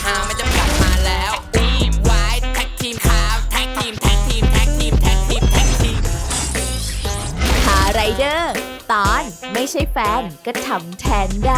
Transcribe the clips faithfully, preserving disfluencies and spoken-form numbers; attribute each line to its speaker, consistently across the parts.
Speaker 1: ฮาไม่จำกัดมาแล้วทีมไว้แท็กทีมขาวแท็กทีมแท็กทีมแท็กทีมแท็กทีมแท็กทีม
Speaker 2: คาไรเดอร์ตอนไม่ใช่แฟนก็ทำแทนได้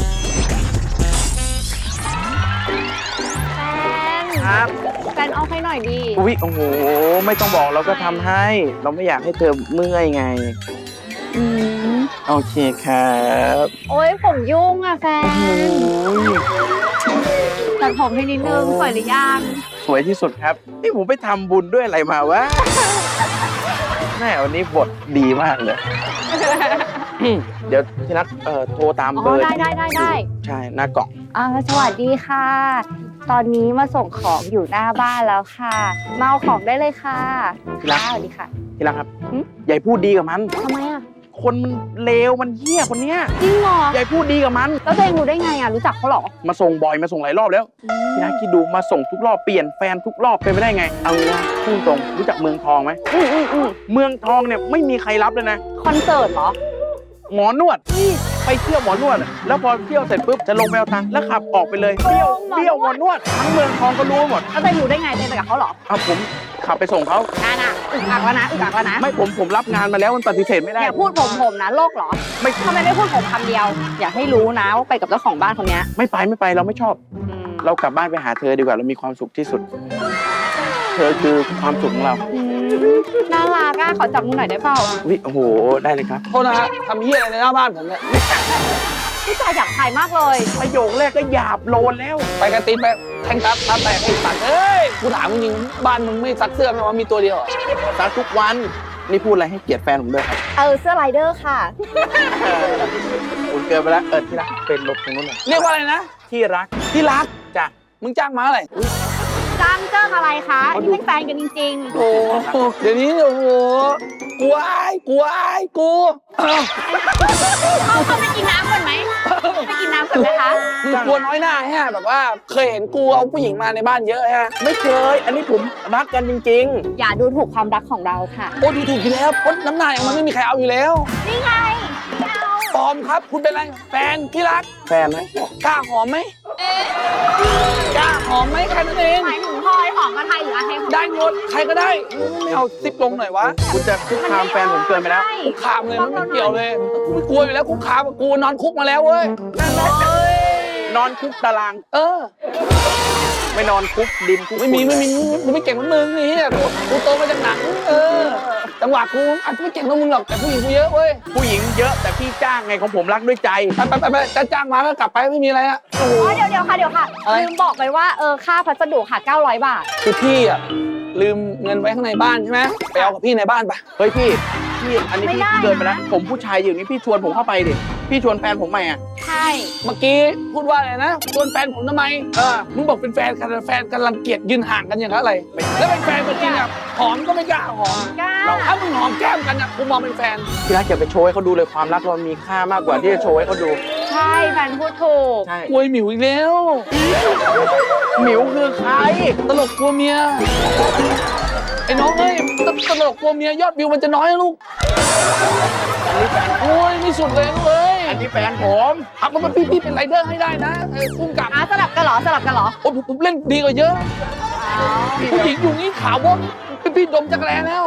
Speaker 3: แฟนครับ
Speaker 4: แฟนออฟให้หน่อยดี
Speaker 3: อุ๊ยโอ้โหไม่ต้องบอกเราก็ทำให้เราไม่อยากให้เธอเมื่อยไง
Speaker 4: อืม
Speaker 3: โอเคครับ
Speaker 4: โอ๊ยผมยุ่งอ่ะแฟน
Speaker 3: โอ้ย
Speaker 4: ตัดผมให้นิดนึงสวยหรือยัง
Speaker 3: สวยที่สุดครับนี่ผมไปทำบุญด้วยอะไรมาวะแม่วันนี้บทดีมากเลยเดี๋ยวที่นัดเอ่อโทรตามเบอร์
Speaker 4: ได้ได้ได้ได้
Speaker 3: ใช่หน้ากล่อง
Speaker 4: อ่าสวัสดีค่ะตอนนี้มาส่งของอยู่หน้าบ้านแล้วค่ะมาเอาของได้เลยค่ะ
Speaker 3: ที่รัก
Speaker 4: สวัสดีค่ะ
Speaker 3: ที่รักครับใหญ่พูดดีกับมัน
Speaker 4: ทำไมอ่ะ
Speaker 3: คนมันเลวมันเหี้ยคนเนี้ย
Speaker 4: จริงเหรอ
Speaker 3: ใหญ่พูดดีกับมัน
Speaker 4: แล้วตัวเองรู้ได้ไงอ่ะรู้จักเขาหรอ
Speaker 3: มาส่งบ่อยมาส่งหลายรอบแล้วที่นัดคิดดูมาส่งทุกรอบเปลี่ยนแฟนทุกรอบเป็นไปได้ไงเอางี้นะพูดตรงรู้จักเมืองทองไหม
Speaker 4: อืออืออือ
Speaker 3: เมืองทองเนี่ยไม่มีใครรับเลยนะ
Speaker 4: คอนเสิร์ตเหรอ
Speaker 3: หมอนวดไปเที่ยวหมอนวดแล้วพอเที่ยวเสร็จปุ๊บจะลงไปเอาตังค์แล้วขับออกไปเลยเที่ยวเที่ยวหมอนวดทั้งเมืองทองก็รู้หมด
Speaker 4: แล้วตัวเองรู้ได้ไงตัวเองไปกับเขาหรอ
Speaker 3: เอาผมขับไปส่งเขา
Speaker 4: น่าน่ะอึกอักแล้วนะอึกอักแล้วนะ
Speaker 3: ไม่ผมผมรับงานมาแล้วมันปฏิเสธไม่ได้
Speaker 4: อย่าพูดผมผมนะโลกเหรอไม่ทำไมไม่พูดผมคำเดียวอย่าให้รู้นะว่าไปกับเจ้าของบ้านคนนี้
Speaker 3: ไม่ไปไม่ไปเราไม่ชอบเรากลับบ้านไปหาเธอดีกว่าเรามีความสุขที่สุดเธอคือความสุขของเรา
Speaker 4: น่ารักอ่ะขอจับมือหน่อยได้เปล่า
Speaker 3: วิโอ้โหได้เลยครับ
Speaker 5: โทษนะฮะทำเหี้ยอะไรในหน้าบ้านผมเนี่ย
Speaker 4: พี่ชายอยากถ่ายมากเลย
Speaker 3: ประโยคแรกก็หยาบโลนแล้ว
Speaker 5: ไปกระติบไปแทงทับทับแตกไอ้สัตว์เอ้ยกูถามจริงๆบ้านมึงไม่ซักเสื้อไหมว่ามีตัวเดียว
Speaker 3: ซักทุกวันนี่พูดอะไรให้เกียรติแฟนผมด้วยครับ
Speaker 4: เออเสื้อไรเดอร์ค่ะ
Speaker 3: คุณเกินไปแล้วเออที่รักเป็นลบตรงนู้นหน่อย
Speaker 5: เรียกว่าอะไรนะ
Speaker 3: ที่รัก
Speaker 5: ที่รัก
Speaker 3: จ้ะ
Speaker 5: มึงจ้างมาอะไร
Speaker 4: จ้างเจ้าอะไรคะนี่เป็นแฟนกันจริง
Speaker 5: ๆโอ้เดี๋ยวนี้โอ้โหกูอายกูอายกู
Speaker 4: เขาเขาไปกินน้ำก่อนไหมไปกินน้ำก่อนไหมคะ
Speaker 5: มึงกลัวน้อยหน้าฮะแบบว่าเคยเห็นกูเอาผู้หญิงมาในบ้านเยอะฮะ
Speaker 3: ไม่เคยอันนี้ผมรักกันจริง
Speaker 4: ๆอย่าดูถูกความรักของเราค่ะ
Speaker 5: โอ้ดูถูกอยู่แล้วเพราะน้ำหนักมันไม่มีใครเอาอยู่แล้ว
Speaker 4: นี่ไง
Speaker 5: ปลอมครับคุณเป็นอะไรแฟนที่รัก
Speaker 3: แฟนไหม
Speaker 5: กล้าหอมไหมกล้าหอมไหมแค่นั้นเอง
Speaker 4: หมายถึงพลอยหอมกับไทยหรืออาเท
Speaker 5: ได้หมดใครก็ได้ไม่เอาซิปลงหน่อยวะ
Speaker 3: คุณจะคุกคามแฟนผมเกินไปแล้ว
Speaker 5: คุกคามเลยมันไม่เกี่ยวเลยกูไม่กลัวอยู่แล้วคุกคามกูนอนคุกมาแล้วเว้ย
Speaker 3: นอนคุกตาราง
Speaker 5: เออ
Speaker 3: ไม่นอนคุกดินคุก
Speaker 5: ไม่มีไม่มีกูไม่เก่งเหมือนมึงนี่กูโตมาจากหนังเออจังหวะกูอาจจะไม่เก่งเท่ามึงหรอกแต่ผู้หญิงกูเยอะเว้ย
Speaker 3: ผู้หญิงเยอะแต่พี่จ้างไงของผมรักด้วยใจ
Speaker 5: ไปไปไปจะจ้างมาก็กลับไปไม่มีอะไรอะ
Speaker 4: โอ้เดี๋ยวเดี๋ยวค่ะเดี๋ยวค่ะลืมบอกไปว่าเออค่าพัสดุค่ะเก้าร้อยบาท
Speaker 5: คือพี่อะลืมเงินไว้ข้างในบ้านใช่ไหมไปเอากับพี่ในบ้านไป
Speaker 3: เฮ้ยพี่พี่อันนี้พี่เกินไปแล้วผมผู้ชายอยู่นี่พี่ชวนผมเข้าไปดิพี่ชวนแฟนผมใหม่อ่ะ
Speaker 4: ใช่
Speaker 5: เมื่อกี้พูดว่าอะไรนะชวนแฟนผมทำไมเออมึงบอกเป็นแฟนกันแฟนกันรังเกียจยืนห่างกันอย่างไรแล้วเป็นแฟนจริงอ่ะหอมก็ไม่กล้าหอมเราถ้ามึงหอมแก้มกันอ่ะกูมองเป็นแฟน
Speaker 3: พี่รักอย่าไปโชว์ให้เขาดูเลยความรักเรามีค่ามากกว่าที่จะโชว์ให้เขาดู
Speaker 4: ใช่แฟนพูดถูก
Speaker 3: ใช่
Speaker 5: กลัวหมิวอีกแล้ว
Speaker 3: หมิวคือใคร
Speaker 5: ตลกกลัวเมียไอ้น้องเอ้ยตลกกลัวเมียยอดวิวมันจะน้อยนะลูก
Speaker 3: อันนี้แฟน
Speaker 5: โอ้ยนี่สุดเลยลูกเอ้ย
Speaker 3: อันนี้แฟนผม
Speaker 5: ทำมันพี่พี่เป็นไรเดอร์ให้ได้นะเออพุ่งกลับ
Speaker 4: สลับกันเหรอสลับกันเหรอ
Speaker 5: โอ้ผมเล่นดีกว่าเยอะผู้หญิงอยู่นี่ขาวบ้องเป็นพี่ดมจักรแลแล้ว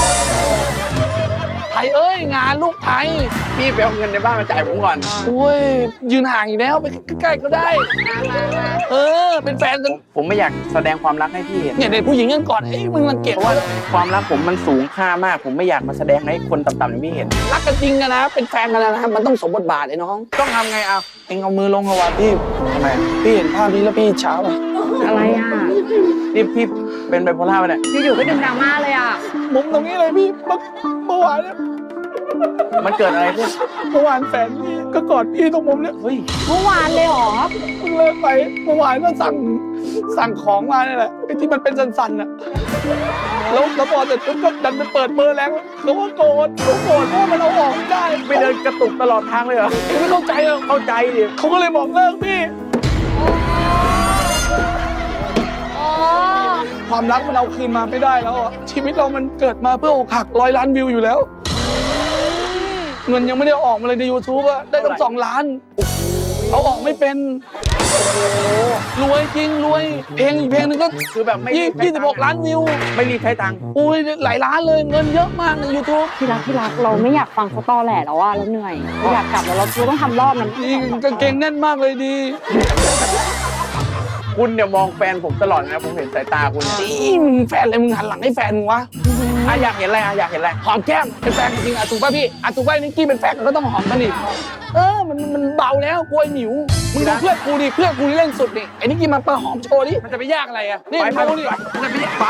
Speaker 5: ไทยเอ้ยงานลูกไทย
Speaker 3: พี่ไปเอาเงินในบ้านมาจ่ายผมก่อน
Speaker 5: โอ้ยยืนห่างอีกแล้วไปใกล้ๆก็ได้เออเป็นแฟนกัน
Speaker 3: ผมไม่อยากแสดงความรักให้พี่เห็น
Speaker 5: เนี่ยเด็กผู้หญิงกันก่อนเอ้ยมึงรังเกียจ
Speaker 3: ว่าความรักผมมันสูงค่ามากผมไม่อยากมาแสดงให้คนต่ำๆอย่างพี่เห็น
Speaker 5: รักกันจริงกันนะเป็นแฟนกันนะมันต้องสมบทบาทไอ้น้อง
Speaker 3: ต้องทำไงเอา
Speaker 5: เอ็งเอามือลงเอาวะพี่
Speaker 3: ทำไม
Speaker 5: พี่เห็นภาพนี้แล้วพี่เช้าป่ะ
Speaker 4: อะไรอ่ะ
Speaker 3: นี่พี่เป็นไบโพล่าป่ะเนี่ย
Speaker 4: อยู่ๆก็ดึงดราม่าเลยอ่ะ
Speaker 5: มุมตรงนี้เลยพี่เมื่อวานเนี่ย
Speaker 3: มันเกิดอะไรขึ้น
Speaker 5: เมื่อวานแฟนพี่ก็กอดพี่ตรงมุมเนี่ย
Speaker 3: เฮ้ย
Speaker 4: เมื่อวานเลยเหรอ
Speaker 5: เพิ่งเลิกไปเมื่อวานก็สั่งสั่งของมาเนี่ยแหละไอ้ที่มันเป็นสันๆน่ะแล้วแล้วพอเสร็จปุ๊บก็ดันไปเปิดเบอร์แล้วเขาก็โกรธเขาโกรธว่ามันเอาออกไม่ได้
Speaker 3: ไปเดินกระตุกตลอดทางเลยเหรอ
Speaker 5: ไม่เข้าใจอ่ะ
Speaker 3: เข้าใจดิ
Speaker 5: เขาก็เลยบอกเลิกพี่ความรักมันเอาคืนมาไม่ได้แล้วอ่ะชีวิตเรามันเกิดมาเพื่ออกหักร้อยล้านวิวอยู่แล้วเงินยังไม่ได้ออกมาเลยใน ยูทูบ อะได้ตั้งสองล้านเอาออกไม่เป็นรวยจริงรวยเพลงอีกเพลงหนึงก็
Speaker 3: คือแบบไม่
Speaker 5: ยี่ยี่สิบหกล้านวิว
Speaker 3: ไม่รีบใช้ตังค์
Speaker 5: อุ้ยหลายล้านเลยเงินเยอะมากใน YouTube
Speaker 4: ที่รักที่รักเราไม่อยากฟังเขาตอแหลแล้วว่าเราเหนื่อยเราอยากกลับแล้วเราเราต้องทำรอบนั้น
Speaker 5: จริงกางเกงแน่นมากเลยดี
Speaker 3: คุณเนี่ยมองแฟนผมตลอดนะผมเห็นสายตาคุณ
Speaker 5: นี่มึงแฟนอะไรมึงหันหลังให้แฟนมึงวะ
Speaker 3: อ่ะอยากเห็นอะไรอ่ะอยากเห็นอะไร
Speaker 5: หอมแก้มเป็นแฟนจริงๆอ่ะถูกป่ะพี่อ่ะถูกป่ะนิกกี้เป็นแฟนกันก็ต้องหอมกันอีกเออมันมันเบาแล้วกลัวหมิวมึงดูเพื่อนกูดิเพื่อนกูนี่เล่นสุดนี่ไอ้นิกกี้มาเปิดหอมโชว์ดิมันจะไปยากอะไรอ่ะนี่
Speaker 3: ไป
Speaker 5: มึงดูดิ
Speaker 3: ไปไปไป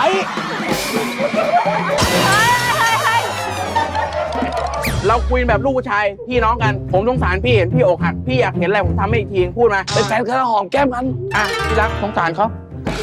Speaker 3: เราคุยแบบลูกผู้ชายพี่น้องกัน ผมสงสารพี่เห็นพี่อกหักพี่อยากเห็นอะไรผมทำให้อีกทีพูดมา
Speaker 5: เป็นแฟนกันแล้วหอมแก้มกัน
Speaker 3: อ่ะพี่รักสงสารเขา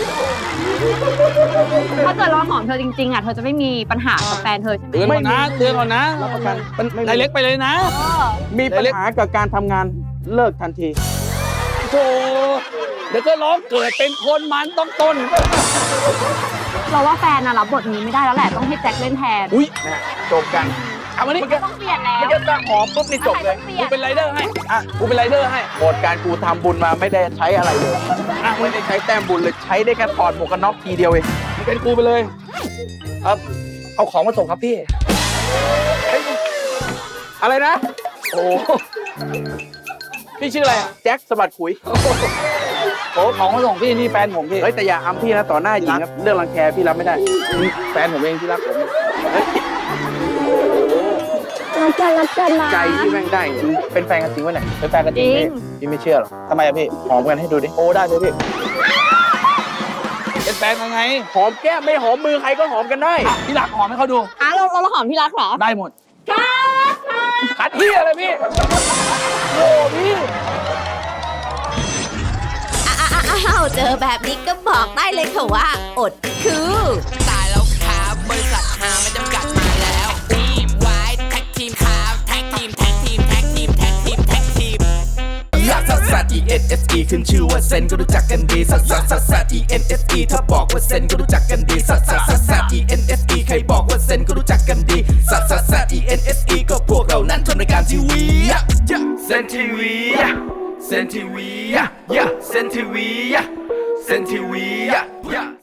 Speaker 4: ถ้าเกิดเราหอมเธอจริงๆอ่ะเธอจะไม่มีปัญหากับแฟนเธอใช่ไหม
Speaker 5: เตือนก่อนนะเตือนก่อนนะ
Speaker 3: รับประกัน
Speaker 5: มันนายเล็กไปเลยนะ
Speaker 3: มีปัญหากับการทำงานเลิกทันที
Speaker 5: โธ่เดี๋ยวก็ร้องเกิดเป็นคนมันต้องต้น
Speaker 4: เราว่าแฟนน่ะรับบทนี้ไม่ได้แล้วแหละต้องให้แจ็คเล่นแทน
Speaker 5: อุ้ย
Speaker 3: นะฮะจบกัน
Speaker 5: เอามานี่
Speaker 4: ต้องเปลี่ยนแล้ว
Speaker 3: ไม่ใช่ตั้งหอมปุ๊บนี่จบเลย
Speaker 5: กูเป็นไรเดอร์ให้อ่ะกูเป็นไรเดอร์ให้
Speaker 3: หมดการกูทำบุญมาไม่ได้ใช้อะไรเลยอ่ะไม่ได้ใช้แต้มบุญเลยใช้ได้แค่ถอดหมวกกันน็อกทีเดียวเอง
Speaker 5: มึงเป็นกูไปเลยครับเอาของมาส่งครับพี่
Speaker 3: อะไรนะ
Speaker 5: โอ้พี่ชื่ออะไรอ่ะ
Speaker 3: แจ็คสะบัดขุย
Speaker 5: โอ้ของมาส่งพี่นี่แฟนผมพี่
Speaker 3: เฮ้ยแต่อย่าอำพี่นะต่อหน้าหญิงครับเรื่องรังแคพี่รับไม่ได้
Speaker 5: แฟนผมเองที่รักผม
Speaker 4: รักกันรักกันนะ
Speaker 3: ใจที่แม่งได้จริงเป็นแฟนกันจริงวะเนี่ย
Speaker 5: เป็นแฟนกันจริง
Speaker 4: จริง
Speaker 5: พี่
Speaker 3: พี่ไม่เชื่อหรอก
Speaker 5: ทำไมอะพี่
Speaker 3: หอมกันให้ดูดิ
Speaker 5: โอ้ได้เลยพี่เป็นแฟนกันไง
Speaker 3: หอมแก้มไม่หอมมือใครก็หอมกันได้
Speaker 5: พี่รักหอมให้เขาดู
Speaker 4: อ่ะเราเราหอมที่รักเหรอ
Speaker 5: ได้หมดคัดที่อะไรพี่โอ้พี่
Speaker 2: อ้าวเจอแบบนี้ก็บอกได้เลยค่ะว่า อดคือ
Speaker 1: ตายแล้วครับบริษัทหาไม่จำกัดมาแล้วทีมไว้แท็กทีมครับแท็กทีมแท็กทีมแท็กทีมแท็กทีมแท็กทีม
Speaker 6: ลักซัสซัส E N S E ขึ้นชื่อว่าเซนก็รู้จักกันดีซัสซัสซัสซัส E N S E ถ้าบอกว่าเซนก็รู้จักกันดีซัสซัสซัสซัส E N S E ใครบอกว่าเซนก็รู้จักกันดีซัสซัสซัส E N S E ก็พวกเรานั้นทำรายการทีวีเซนทีวีเซนทีวีเซนทีวีเซนทีวี